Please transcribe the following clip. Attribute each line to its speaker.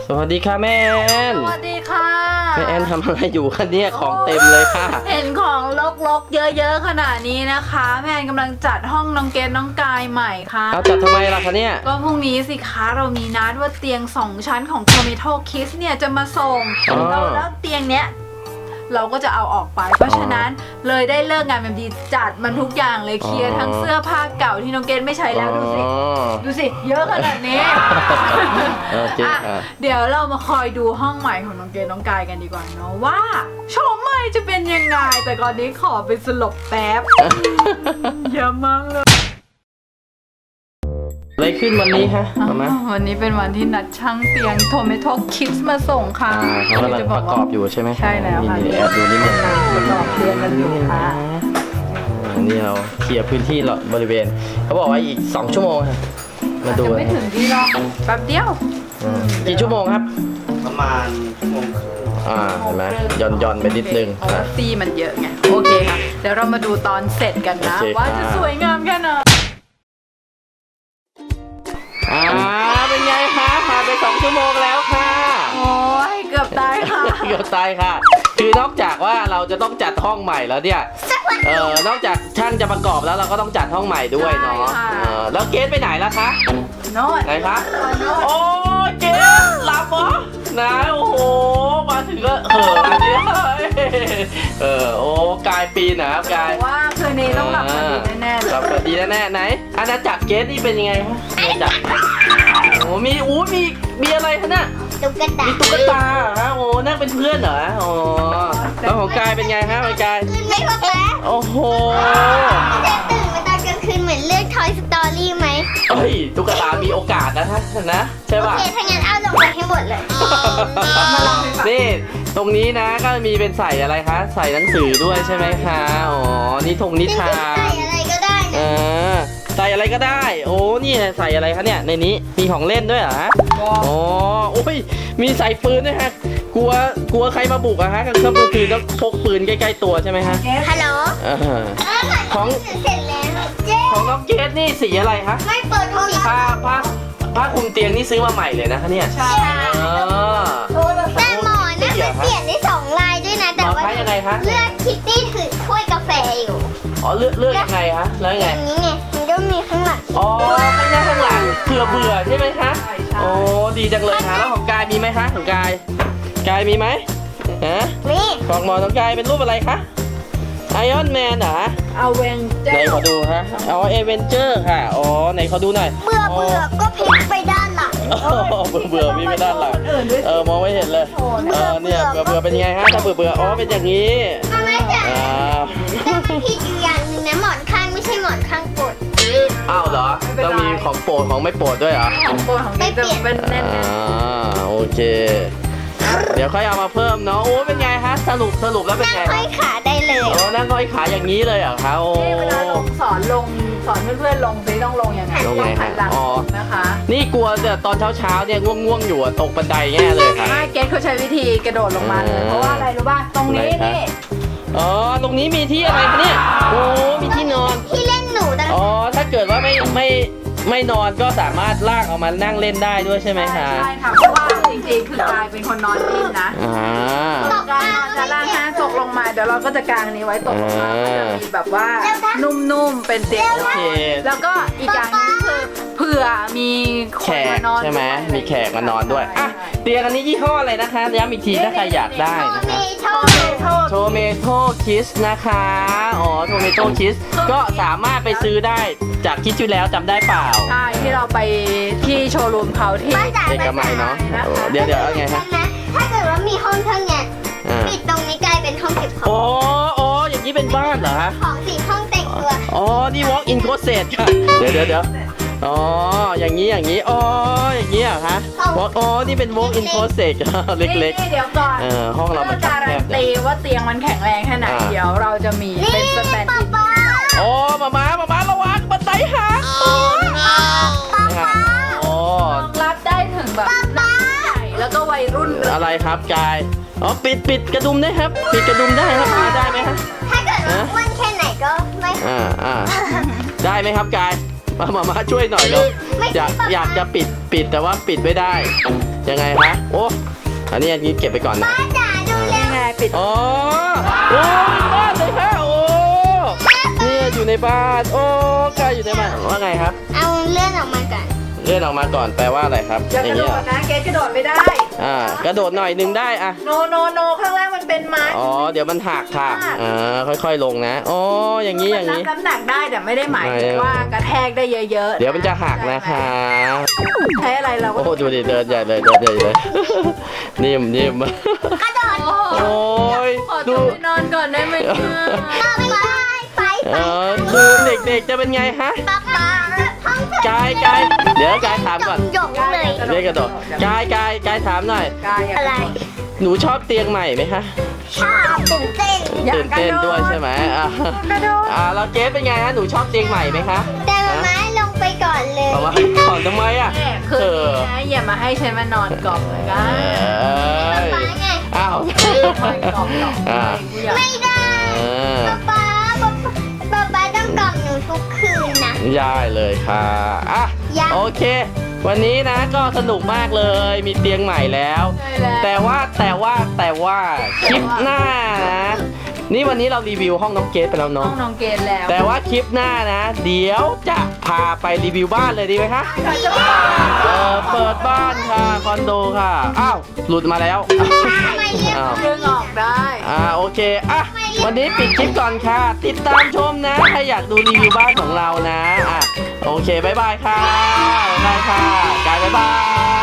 Speaker 1: สวัสดีค่ะแม่แอน
Speaker 2: สวัสดีค่ะ
Speaker 1: แม่แอนทำอะไรอยู่คะเนี่ยของเต็มเลยค่ะ
Speaker 2: เห็นของรกๆเยอะๆขนาดนี้นะคะแม่แอนกำลังจัดห้องน้องเกดน้องกายใหม่ค่ะ
Speaker 1: เอาจัดทำไมล่ะคะเนี่ย
Speaker 2: ก็พรุ่งนี้สิคะเรามีนัดว่าเตียง2ชั้นของ Tomato Kids เนี่ยจะมาส่งแล้วเตียงเนี้ยเราก็จะเอาออกไปเพราะฉะนั้นเลยได้เลิกงานแบบดีจัดมันทุกอย่างเลยเคลียร์ทั้งเสื้อผ้าเก่าที่น้องเกดไม่ใช้แล้วดูสิเยอะขนาดนี้เดี๋ยวเรามาคอยดูห้องใหม่ของน้องเกดน้องกายกันดีกว่าเนาะว่าโฉมใหม่จะเป็นยังไงแต่ก่อนนี้ขอไปสลบแป๊บเยอะมากเลย
Speaker 1: อะไรขึ้นวันนี้ฮะ
Speaker 2: วันนี้เป็นวันที่นัดช่างเตียง Tomato Kids มาส่งค่ะ
Speaker 1: เขากำลังประกอบอยู่ใช่ไหม
Speaker 2: ใช่แล้วค่ะ
Speaker 1: แอบดูนิดนึง
Speaker 2: ประกอบเตียงกันอยู่ค่ะ
Speaker 1: นี่เราเคลียร์พื้นที่บริเวณเขาบอกว่าอีก2 ชั่วโมงค่ะมาดู
Speaker 2: ไม่ถึงที่หรอกแป๊บเดียว
Speaker 1: กี่ชั่วโมงครับ
Speaker 3: ประมาณ1 ชั่วโมงครึ่ง
Speaker 1: เห็นไหมย่อนไปนิดนึง
Speaker 2: นะตีมันเยอะไงโอเคค่ะเดี๋ยวเรามาดูตอนเสร็จกันนะว่าจะสวยงามแค่ไหน
Speaker 1: เป็นไงคะผ่านไป2 ชั่วโมงแล้วค่ะ
Speaker 2: โอ้ยเกือบตายค่ะ
Speaker 1: เกือบตายค่ะคือนอกจากว่าเราจะต้องจัดห้องใหม่แล้วเนี่ยนอกจากช่างจะประกอบแล้วเราก็ต้องจัดห้องใหม่ด้วยเนาะแล้วเกสไปไหนแล้วคะ
Speaker 2: โน่น
Speaker 1: ไหนคะโอ้เกสหลับเหรอนะโอ้โหมาถึงก็อันนี้โอ้กายปีนะครับกาย
Speaker 2: ว่าคืนนี้ต้องหลับดีแน่ๆ
Speaker 1: หลับดีแน่ๆไหนอาณาจักรเกสนี่เป็นยังไงคะอาณาจักรโอ้มีอะไรคะเนี่ย
Speaker 4: ตุ๊กตา
Speaker 1: มีตุ๊กตาฮะโอ้นั่งเป็นเพื่อนเหรอโอ้แล้วของกายเป็นไงฮะของกาย
Speaker 4: ไม่พอแล้ว
Speaker 1: โอ้โห
Speaker 4: จะตื่นมาตอนกลางคืนเหมือนเลือก Toy Story ไหม
Speaker 1: เฮ้ยตุ๊กตามีโอกาสนะใช่ป่ะ
Speaker 4: โอเคถ้างั้นเอาลงไปให้หมดเลย
Speaker 1: นี่ตรงนี้นะก็มีเป็นใส่อะไรคะใส่หนังสือด้วยใช่ไหมคะอ๋อนี่ธงนิทาน
Speaker 4: ใส่อะไรก็ได้
Speaker 1: ใส่อะไรก็ได้โอ้นี่ใส่อะไรคะเนี่ยในนี้มีของเล่นด้วยเหรอฮะอ๋อโอ้ยมีใส่ปืนด้วยฮะกลัวใครมาบุกอะฮะกลางค่ำกลางคืนต้องพกปืนใกล้ๆตัวใช่ไหมฮะ
Speaker 4: ฮัลโหล
Speaker 1: ของ
Speaker 4: เสร็จแล้ว
Speaker 1: ของน้องเกดนี่สีอะไรคะ
Speaker 4: ไม่เปิดห้อง
Speaker 1: ผ้าคลุมเตียงนี่ซื้อมาใหม่เลยนะคะเนี่ย
Speaker 2: ใช่
Speaker 4: แต่หมอนนะมันเปลี่ยนได้2 ลายด้วยนะแต่ว่า
Speaker 1: ยังไงคะ
Speaker 4: เลือกคิตตี้ถือถ้วยกาแฟอยู่
Speaker 1: อ๋อเลือกยังไงคะแล้วยังไง
Speaker 4: อย่างนี้ไงมันก็มีข้างหลัง
Speaker 1: อ๋อข้างหลังเบื่อใช่ไหมคะโอ้ดีจังเลยค่ะแล้วของกายมีไหมคะของกายมีไหมฮะ
Speaker 4: มี
Speaker 1: ของหมอของกายเป็นรูปอะไรคะไอออนแมนเหรอ
Speaker 2: เอาเวนเจอร์
Speaker 1: ไหนขอดูฮะเอาเอเวนเจอร์ค่ะอ๋อไหนขอดูหน่อย
Speaker 4: เบื่อก็พลิกไปด้านหลัง
Speaker 1: เบื่อมีไปด้านหลังมองไม่เห็นเลยเนี่ยเบื่อเป็นยังไงฮะถ้าเบื่ออ๋อเป็นอย่างนี้
Speaker 4: ไม่ใช่แต่ผิดอยู่อย่างนึงนะหมอนข้างไม่ใช่หมอนข้างโปรด
Speaker 1: อ้าวเหรอต้องมีของโปรดของไม่โปรดด้วยเหรอ
Speaker 2: ของโปรดของไม่เปลี่ยนเป็นแน่น
Speaker 1: โอเคเดี๋ยวค่อยเอามาเพิ่มเนาะโอ้เป็นไงฮะสรุปแล้วเป็นไง
Speaker 4: นั่งห้อยขาได้เลย
Speaker 1: โอ้นั่งห้อยขาอย่างนี้เลยเหรอคะโอ้
Speaker 2: เวลาสอนเพื่อนๆลงซิต้องลงยังไง
Speaker 1: ลงไงฮะ
Speaker 2: อ๋อนะคะ
Speaker 1: นี่กลัวแต่ตอนเช้าเนี่ยง่วงอยู่ตกบันไดแง่เลยค่ะ
Speaker 2: เกดเขาใช้วิธีกระโดดลงมาเลยเพราะว่าอะไรรู้ป่ะตรงนี้นี่
Speaker 1: อ๋อตรงนี้มีที่อะไรคะเนี่ยโอ้มีที่นอน
Speaker 4: ที่เล่นหนู
Speaker 1: อ๋อถ้าเกิดว่าไม่นอนก็สามารถลากเอามานั่งเล่นได้ด้วยใช่ไหมคะ
Speaker 2: ใช่ค่ะเพราะว่าจริงๆคือกายเป็นคนนอนดิ้นนะกายนอนจะล่างห้าตกลงมาเดี๋ยวเราก็จะกางนี้ไว้ตกลงมาก็จะมีแบบว่านุ่มๆเป็นเตียง
Speaker 1: โอเค
Speaker 2: แล้วก็อีกอย่างนึงคือเผื่อมี
Speaker 1: แขกใช่ไหมมีแขกมานอนด้วยอ่ะเตียงอันนี้ยี่ห้ออะไรนะคะย้ำอีกทีถ้าใครอยากได้นะคะโทเมโต้คิสนะคะอ๋อโทเมโต้คิสก็สามารถไปซื้อได้จากคิดอยู่แล้วจำได้เปล่า
Speaker 2: ใช่ที่เราไปที่โชว์รูมเขาที่
Speaker 1: เอกมัยเนาะเดี๋ยวเอาไงฮะ
Speaker 4: ถ้าเกิดว่ามีห้องเท่านี้ปิดตรงนี้กลายเป็นห้องเก็บของ
Speaker 1: อ๋ออย่างนี้เป็นบ้านเหรอฮะ
Speaker 4: ของ4 ห้องแต่งตัว
Speaker 1: อ๋อนี่ walk in closet ค่ะเดี๋ยวอ๋ออย่างนี้อ๋ออย่างนี้เหรอคะอ๋อนี่เป็น walk in closet เล็ก
Speaker 2: ๆเดี๋ยวก่อน
Speaker 1: ห้องเรามัน
Speaker 2: การันตีว่าเตียงมันแข็งแรงแค่ไหนเดี๋ยวเราจะมีเป็นสแตนด์อิน
Speaker 1: โอ้มาระวังบันไดหัก
Speaker 2: รับได้ถึงแบบหนักใหญ่แล้วก็วัยรุ่น
Speaker 1: อะไรครับกายอ๋อปิดกระดุมได้ครับปิดกระดุมได้ครับได้ไหมครับ
Speaker 4: ถ้าเกิดว่าอ้วนแค่ไหนก็ไม่
Speaker 1: ได้ไหมครับกายมาช่วยหน่อยเร็วอยากจะปิดแต่ว่าปิดไม่ได้ยังไงคะโอ้อันนี้เก็บไปก่อนนะ
Speaker 4: ป้าจ๋าดูเร็ว
Speaker 2: ไงปิด
Speaker 1: อ๋อโอ้บ้านเลยค่ะโอ้เนี่ยอยู่ในบ้านโอ้กายอยู่ในบ้านว่าไงครับ
Speaker 4: เอาเลื่อนออกมาก่อน
Speaker 1: เลื่อนออกมาก่อนแปลว่าอะไรครับ
Speaker 2: อย่าก
Speaker 1: อย่า
Speaker 2: ระ
Speaker 1: ง
Speaker 2: โด
Speaker 1: นี้เหร
Speaker 2: ด
Speaker 1: อ
Speaker 2: นะเกดกระโดดไม่ได้
Speaker 1: กระโดดหน่อยหนึงได้อะ
Speaker 2: โนข้างล่างมันเป็นไม้
Speaker 1: อ๋อเดี๋ยวมันหักค่ะค่อยๆลงนะอ๋ออย่างนี้
Speaker 2: มันรับน้ำหนักได้แต่ไม่ได้หมายถึงว่ากระแทกได้เยอะๆ
Speaker 1: เดี๋ยวมันจะหักนะคะ
Speaker 2: ใช้อะไรเราก็
Speaker 1: โอ้ดูดิเดินใหญ่เลยนิ่ม
Speaker 4: กระโดด
Speaker 1: โอ้ย
Speaker 2: ขอ
Speaker 1: ดู
Speaker 2: ตัวไปนอนก่อนได้ไหมเนี่ย
Speaker 4: ไป
Speaker 1: ดูเด็กๆจะเป็นไงฮะ
Speaker 4: ป๊าป๊าห้อง
Speaker 1: กายเดี๋ยวกายถามก่อน
Speaker 4: หยงเลย
Speaker 1: เรียกกระโดดกายถามหน่อย
Speaker 2: กาย
Speaker 4: อะไร
Speaker 1: หนูชอบเตียงใหม่ไหมคะ
Speaker 4: ชอบตื่นเต้น
Speaker 1: ตื่นเต้นด้วยใช่ไหมแล้วเกสเป็นไงฮะหนูชอบเตียงใหม่ไหมคะ
Speaker 4: แต่มาม้าลงไปก่อนเลย
Speaker 1: เอามาก่อนทำไมอ่ะ
Speaker 2: แม่คืนนี้นะอย่ามาให้ฉันมานอนกล่อมเลยกั
Speaker 1: เอ้ย
Speaker 4: ป๊าไง
Speaker 1: อ้าว
Speaker 2: กล่อมหรอก
Speaker 4: ไม่ได้ป๊าต้องกล่อมหนูทุกคืนนะ
Speaker 1: ได้เลยค่ะโอเค วันนี้นะก็สนุกมากเลยมีเตียงใหม่แล้ว แต่ว่าคลิปหน้านะนี่วันนี้เรารีวิวห้องน้องเกสไปแล้ว
Speaker 2: ห้อ
Speaker 1: เนาะ
Speaker 2: งน้องเกดแล้ว
Speaker 1: แต่ว่าคลิปหน้านะ เดี๋ยวจะพาไปรีวิวบ้านเลยดีไหมคะ
Speaker 2: จะบ้า
Speaker 1: เปิดบ้านค่ะคอนโดค่ะอ้าวหลุดมาแล้ว
Speaker 4: ทำไมเรียก
Speaker 1: อ้าว
Speaker 2: ดึงออกได้
Speaker 1: โอเควันนี้ปิดคลิปก่อนค่ะ ติดตามชมนะถ้าอยากดูรีวิวบ้านของเรานะโอเคบ๊ายบายค่ะบ๊ายบายค่ะกายบ๊ายบาย